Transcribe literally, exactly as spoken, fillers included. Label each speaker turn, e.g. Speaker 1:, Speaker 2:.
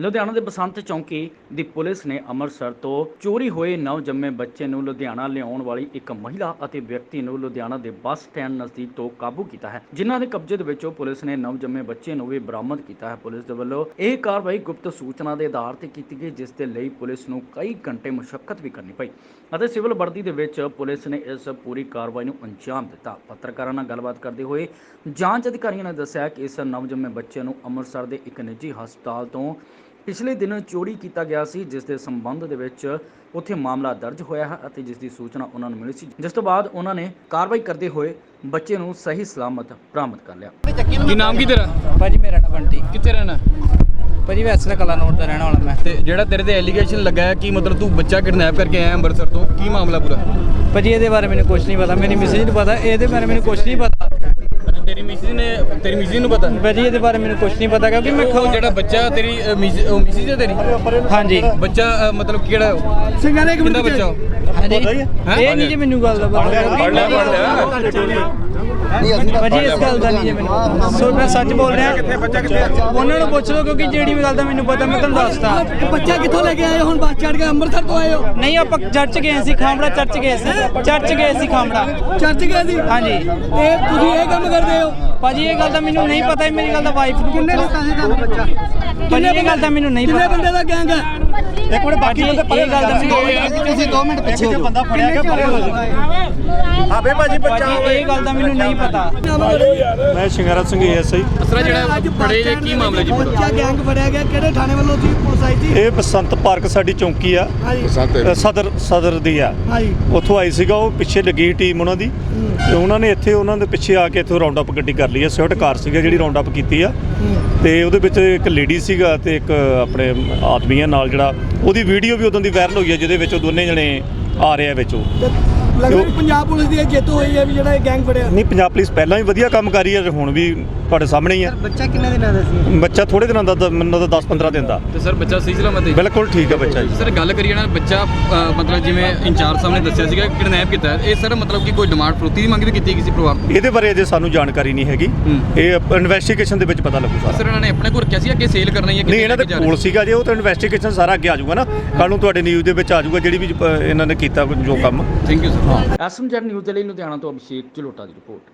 Speaker 1: ਲੁਧਿਆਣਾ ਦੇ ਬਸੰਤ ਚੌਂਕੀ ਦੀ ਪੁਲਿਸ ਨੇ ਅੰਮ੍ਰਿਤਸਰ ਤੋਂ ਚੋਰੀ ਹੋਏ ਨਵ ਜੰਮੇ ਬੱਚੇ ਨੂੰ ਲੁਧਿਆਣਾ ਲਿਆਉਣ ਵਾਲੀ ਇੱਕ ਮਹਿਲਾ ਅਤੇ ਵਿਅਕਤੀ ਨੂੰ ਲੁਧਿਆਣਾ ਦੇ ਬੱਸ ਸਟੈਂਡ ਨਜ਼ਦੀਕ ਤੋਂ ਕਾਬੂ ਕੀਤਾ ਹੈ, ਜਿਨ੍ਹਾਂ ਦੇ ਕਬਜ਼ੇ ਦੇ ਵਿੱਚੋਂ ਪੁਲਿਸ ਨੇ ਨਵ ਜੰਮੇ ਬੱਚੇ ਨੂੰ ਵੀ ਬਰਾਮਦ ਕੀਤਾ ਹੈ। ਪੁਲਿਸ ਦੇ ਵੱਲੋਂ ਇਹ ਕਾਰਵਾਈ ਗੁਪਤ ਸੂਚਨਾ ਦੇ ਆਧਾਰ ਤੇ ਕੀਤੀ ਗਈ, ਜਿਸ ਦੇ ਲਈ ਪੁਲਿਸ ਨੂੰ ਕਈ ਘੰਟੇ ਮੁਸ਼ੱਕਤ ਵੀ ਕਰਨੀ ਪਈ ਅਤੇ ਸਿਵਲ ਵਰਦੀ ਦੇ ਵਿੱਚ ਪੁਲਿਸ ਨੇ ਇਸ ਪੂਰੀ ਕਾਰਵਾਈ ਨੂੰ ਅੰਜਾਮ ਦਿੱਤਾ। ਪੱਤਰਕਾਰਾਂ ਨਾਲ ਗੱਲਬਾਤ ਕਰਦੇ ਹੋਏ ਜਾਂਚ ਅਧਿਕਾਰੀਆਂ ਨੇ ਦੱਸਿਆ ਕਿ ਇਸ ਨਵ ਜੰਮੇ ਬੱਚੇ ਨੂੰ ਅੰਮ੍ਰਿਤਸਰ ਦੇ ਇੱਕ ਨਿੱਜੀ ਹਸਪਤਾਲ ਤੋਂ ਪਿਛਲੇ ਦਿਨ ਚੋਰੀ ਕੀਤਾ ਗਿਆ ਸੀ, ਜਿਸ ਦੇ ਸੰਬੰਧ ਦੇ ਵਿੱਚ ਉੱਥੇ ਮਾਮਲਾ ਦਰਜ ਹੋਇਆ ਹੈ ਅਤੇ ਜਿਸ ਦੀ ਸੂਚਨਾ ਉਹਨਾਂ ਨੂੰ ਮਿਲੀ ਸੀ, ਜਿਸ ਤੋਂ ਬਾਅਦ ਉਹਨਾਂ ਨੇ ਕਾਰਵਾਈ ਕਰਦੇ ਹੋਏ ਬੱਚੇ ਨੂੰ ਸਹੀ ਸਲਾਮਤ ਬਰਾਮਦ ਕਰ ਲਿਆ।
Speaker 2: ਕੀ ਨਾਮ ਕੀ ਤੇਰਾ?
Speaker 3: ਭਾਜੀ ਮੇਰਾ ਨਾਮ ਬੰਟੀ।
Speaker 2: ਕਿੱਥੇ ਰਹਿਣਾ?
Speaker 3: ਭਾਜੀ ਵੈਸੇ ਕਲਾ ਨੋਟ ਦਾ ਰਹਿਣ ਵਾਲਾ ਮੈਂ।
Speaker 2: ਤੇ ਜਿਹੜਾ ਤੇਰੇ ਤੇ ਐਲੀਗੇਸ਼ਨ ਲੱਗਾ ਹੈ ਕਿ ਮਤਲਬ ਤੂੰ ਬੱਚਾ ਕਿਡਨੈਪ ਕਰਕੇ ਆਇਆ ਅੰਮ੍ਰਿਤਸਰ ਤੋਂ, ਕੀ ਮਾਮਲਾ ਪੂਰਾ?
Speaker 3: ਭਾਜੀ ਇਹਦੇ ਬਾਰੇ ਮੈਨੂੰ ਕੁਝ ਨਹੀਂ ਪਤਾ, ਮੇਰੀ ਮਿਸਿਸ ਨੂੰ ਪਤਾ, ਇਹਦੇ ਬਾਰੇ ਮੈਨੂੰ ਕੁਝ ਨਹੀਂ ਪਤਾ।
Speaker 2: ਤੇਰੀ ਮਿਸਿਸ ਨੇ ਤੇਰੀ ਮਿਸਿਸ ਨੂੰ ਪਤਾ?
Speaker 3: ਭਾਜੀ ਇਹਦੇ ਬਾਰੇ ਮੈਨੂੰ ਕੁਝ ਨਹੀਂ ਪਤਾ ਕਿਉਂਕਿ ਮੈਂ
Speaker 2: ਉਹ ਜਿਹੜਾ ਬੱਚਾ ਤੇਰੀ ਮਿਸਿਸ ਹੈ ਤੇਰੀ?
Speaker 3: ਹਾਂਜੀ।
Speaker 2: ਬੱਚਾ ਅ, ਮਤਲਬ ਕਿਹੜਾ ਸਿੰਗਾਰੇ ਕਿੰਨਾ ਬੱਚਾ ਉਹ?
Speaker 3: ਹਾਂਜੀ ਇਹ ਨਹੀਂ ਜੀ ਮੈਨੂੰ ਗੱਲ ਦਾ ਪਤਾ।
Speaker 2: ਪੜ ਲਿਆ ਪੜ ਲਿਆ
Speaker 3: ਭਾਜੀ ਇਸ ਗੱਲ ਦਾ ਨਹੀਂ ਜੀ ਮੈਨੂੰ, ਸੋ ਮੈਂ ਸੱਚ ਬੋਲ ਰਿਹਾ।
Speaker 2: ਕਿੱਥੇ ਬੱਚਾ ਕਿੱਥੇ?
Speaker 3: ਉਹਨਾਂ ਨੂੰ ਪੁੱਛ ਲਓ ਕਿਉਂਕਿ ਜਿਹੜੀ ਵੀ ਗੱਲ ਦਾ ਮੈਨੂੰ ਪਤਾ ਮੈਂ ਤੁਹਾਨੂੰ ਦੱਸਦਾ।
Speaker 4: ਬੱਚਾ ਕਿੱਥੋਂ ਲੈ ਕੇ ਆਏ ਹੋ? ਹੁਣ ਬੱਸ ਚੜ੍ਹ ਕੇ ਅੰਮ੍ਰਿਤਸਰ ਤੋਂ ਆਏ ਹੋ?
Speaker 3: ਨਹੀਂ ਆਪਾਂ ਚਰਚ ਗਏ ਸੀ, ਖਾਮੜਾ ਚਰਚ ਗਏ ਸੀ, ਚਰਚ ਗਏ ਸੀ ਖਾਮੜਾ।
Speaker 4: ਚਰਚ ਗਏ ਸੀ?
Speaker 3: ਹਾਂਜੀ।
Speaker 4: ਇਹ ਤੁਸੀਂ ਇਹ ਕੰਮ ਕਰਦੇ ਹੋ?
Speaker 3: ਭਾਜੀ ਇਹ ਗੱਲ ਤਾਂ ਮੈਨੂੰ ਨਹੀਂ ਪਤਾ, ਮੇਰੀ ਗੱਲ ਤਾਂ ਵਾਈਫ ਨੂੰ।
Speaker 4: ਕਿੰਨੇ ਦਿੱਤਾ ਸੀ ਤੁਹਾਨੂੰ ਬੱਚਾ?
Speaker 3: ਭਾਜੀ ਇਹ ਗੱਲ ਤਾਂ ਮੈਨੂੰ ਨਹੀਂ
Speaker 4: ਕਿੰਨੇ
Speaker 3: ਪਤਾ।
Speaker 4: ਬੰਦੇ ਦਾ ਗੈਂਗ ਹੈ?
Speaker 3: ਇੱਕ ਮਿੰਟ ਬਾਕੀ ਇਹ ਗੱਲ ਤਾਂ ਮੈਨੂੰ
Speaker 4: ਤੁਸੀਂ ਦੋ ਮਿੰਟ ਪਿੱਛੇ ਹੋ ਜਾਓ। ਬੰਦਾ ਫੜਿਆ ਗਿਆ ਪਰੇ ਹੋ ਜਾਓ।
Speaker 2: ਆਬੇ ਭਾਜੀ
Speaker 3: ਭਾਜੀ ਇਹ ਗੱਲ ਤਾਂ ਮੈਨੂੰ ਨਹੀਂ ਪਤਾ।
Speaker 5: ਮੈਂ ਸ਼ਿੰਗਾਰਾ ਸਿੰਘ ਐਸਆਈ।
Speaker 2: ਅਸਰਾ ਜਿਹੜਾ ਫੜੇ ਜੇ ਕੀ ਮਾਮਲਾ ਜੀ?
Speaker 4: ਬੱਚਾ ਗੈਂਗ ਫੜਿਆ ਗਿਆ, ਕਿਹੜੇ ਥਾਣੇ ਵੱਲੋਂ ਸੀ? ਪੁਲਿਸ ਆਈ ਸੀ?
Speaker 5: ਇਹ ਬਸੰਤ ਪਾਰਕ ਸਾਡੀ ਚੌਂਕੀ ਆ,
Speaker 4: ਹਾਂਜੀ
Speaker 5: ਅ, ਸਦਰ ਸਦਰ ਦੀ ਆ।
Speaker 4: ਹਾਂਜੀ।
Speaker 5: ਉੱਥੋਂ ਆਈ ਸੀਗਾ, ਉਹ ਪਿੱਛੇ ਲੱਗੀ ਟੀਮ ਉਹਨਾਂ ਦੀ, ਤੇ ਉਹਨਾਂ ਨੇ ਇੱਥੇ ਉਹਨਾਂ ਦੇ ਪਿੱਛੇ ਆ ਕੇ ਇੱਥੋਂ ਰਾਉਂਡ ਅਪ ਗੱਡੀ ਕਰ ਲਈ ਆ। ਸਵਿਫਟ ਕਾਰ ਸੀਗਾ ਜਿਹੜੀ ਰਾਉਂਡ ਅਪ ਕੀਤੀ ਆ, ਤੇ ਉਹਦੇ ਵਿੱਚ ਇੱਕ ਲੇਡੀ ਸੀਗਾ ਤੇ ਇੱਕ ਆਪਣੇ ਆਦਮੀ ਆ ਨਾਲ, ਜਿਹੜਾ ਉਹਦੀ ਵੀਡੀਓ ਵੀ ਉਦੋਂ ਦੀ ਵਾਇਰਲ ਹੋਈ ਆ, ਜਿਹਦੇ ਵਿੱਚ ਉਹ ਦੋਨੇ ਜਣੇ ਆ ਰਹੇ ਆ ਵਿੱਚ। ਉਹ
Speaker 4: ਲੱਗਦਾ ਕਿ ਪੰਜਾਬ ਪੁਲਿਸ ਦੀ ਇਹ ਜਿੱਤ ਹੋਈ ਹੈ ਵੀ ਜਿਹੜਾ ਇਹ ਗੈਂਗ ਫੜਿਆ।
Speaker 5: ਨਹੀਂ, ਪੰਜਾਬ ਪੁਲਿਸ ਪਹਿਲਾਂ ਵੀ ਵਧੀਆ ਕੰਮ ਕਰ ਰਹੀ ਹੈ ਤੇ ਹੁਣ ਵੀ ਤੁਹਾਡੇ ਸਾਹਮਣੇ ਹੀ ਆ।
Speaker 4: ਬੱਚਾ ਕਿੰਨੇ ਦਿਨਾਂ ਦਾ ਸੀ?
Speaker 5: ਬੱਚਾ ਥੋੜੇ ਦਿਨਾਂ ਦਾ, ਮੈਨੂੰ ਤਾਂ ਦਸ ਪੰਦਰਾਂ ਦਿਨ ਦਾ।
Speaker 2: ਤੇ ਸਰ ਬੱਚਾ ਸਹੀ ਸਲਾਮਤ ਹੈ?
Speaker 5: ਬਿਲਕੁਲ ਠੀਕ ਆ ਬੱਚਾ ਜੀ।
Speaker 2: ਸਰ ਗੱਲ ਕਰੀਏ ਨਾ, ਬੱਚਾ ਅ, ਮਤਲਬ ਜਿਵੇਂ ਇੰਚਾਰਜ ਸਾਹਿਬ ਨੇ ਦੱਸਿਆ ਸੀਗਾ ਕਿਡਨੈਪ ਕੀਤਾ, ਇਹ ਸਰ ਮਤਲਬ ਕਿ ਕੋਈ ਡਿਮਾਂਡ ਫਰੋਤੀ ਦੀ ਮੰਗ ਵੀ ਕੀਤੀ ਕਿਸੇ ਪਰਿਵਾਰ ਤੋਂ?
Speaker 5: ਇਹਦੇ ਬਾਰੇ ਅਜੇ ਸਾਨੂੰ ਜਾਣਕਾਰੀ ਨਹੀਂ ਹੈਗੀ,
Speaker 2: ਹੂੰ।
Speaker 5: ਇਹ ਇਨਵੈਸਟੀਗੇਸ਼ਨ ਦੇ ਵਿੱਚ ਪਤਾ ਲੱਗੂਗਾ।
Speaker 2: ਸਰ ਇਹਨਾਂ ਨੇ ਆਪਣੇ ਕੋਲ ਰੱਖਿਆ ਸੀ ਕਿ ਸੇਲ ਕਰਨਾ ਹੈ?
Speaker 5: ਨਹੀਂ, ਇਹਨਾਂ ਦੇ ਕੋਲ ਸੀਗਾ ਜੇ, ਉਹ ਤਾਂ ਇਨਵੈਸਟੀਗੇਸ਼ਨ ਸਾਰਾ ਅੱਗੇ ਆ ਜਾਊਗਾ ਨਾ, ਕੱਲ ਨੂੰ ਤੁਹਾਡੇ ਨਿਊਜ਼ ਦੇ ਵਿੱਚ ਆ ਜਾਊਗਾ ਜਿਹੜੀ ਵੀ ਅ, ਇਹਨਾਂ ਨੇ ਕੀਤਾ ਜੋ ਕੰਮ।
Speaker 2: Thank you sir.
Speaker 1: SMZ news ਦੇ ਲਈ ਲੁਧਿਆਣਾ ਤੋਂ ਅਭਿਸ਼ੇਕ ਝਲੋਟਾ ਦੀ ਰਿਪੋਰਟ।